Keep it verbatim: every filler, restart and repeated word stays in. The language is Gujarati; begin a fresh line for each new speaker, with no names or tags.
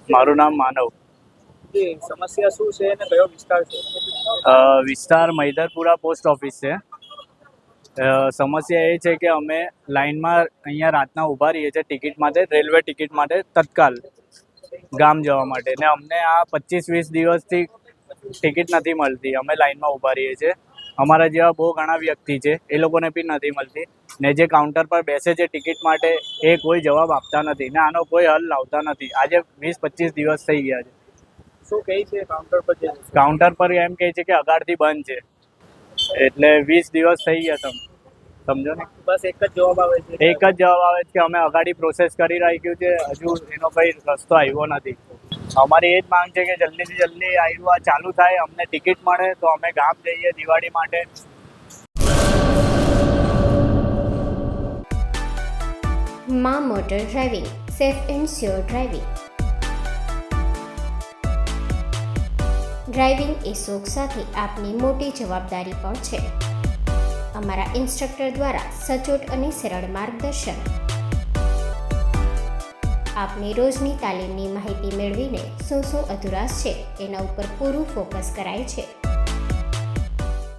મારું નામ માનવ.
એ સમસ્યા શું છે અને કયો વિસ્તાર છે?
અ, વિસ્તાર મૈદરપુરા પોસ્ટ ઓફિસ છે. અ, સમસ્યા એ છે કે અમે લાઇનમાં અહીંયા રાતના ઊભા રહીએ છીએ ટિકિટ માટે, રેલવે ટિકિટ માટે તત્કાલ ગામ જવા માટે, ને અમને આ પચીસ વીસ દિવસથી ટિકિટ નથી મળતી. અમે લાઇનમાં ઊભા રહીએ છીએ. અમારા જેવા બહુ ઘણા વ્યક્તિ છે, એ લોકોને બી નથી મળતી. ને જે કાઉન્ટર પર બેસે છે ટિકિટ માટે એ કોઈ જવાબ આપતા નથી ને આનો કોઈ હલ લાવતા નથી. આજે વીસ પચીસ દિવસ થઈ ગયા છે.
શું કહે છે કાઉન્ટર પર જે
કાઉન્ટર પર એમ કહે છે કે અગાડથી બંધ છે, એટલે વીસ દિવસ થઈ ગયા. તમે સમજો ને,
બસ એક જ જવાબ આવે છે?
એક જ જવાબ આવે છે કે અમે અગાડી પ્રોસેસ કરી રાખ્યું છે, હજુ એનો કંઈ રસ્તો આવ્યો નથી. અમારી એ જ માંગ છે કે જલ્દીથી જલ્દી આવ્યું આ ચાલુ થાય, અમને ટિકિટ મળે તો અમે ગામ જઈએ દિવાળી માટે.
માં motor driving, safe and sure driving. Driving એ શોખ સાથે આપની મોટી જવાબદારી પણ છે. અમારા ઇન્સ્ટ્રક્ટર દ્વારા સચોટ અને સરળ માર્ગદર્શન. આપની રોજની તાલીમની માહિતી મેળવીને શું શું અધુરાશ છે એના ઉપર પૂરું ફોકસ કરાય છે.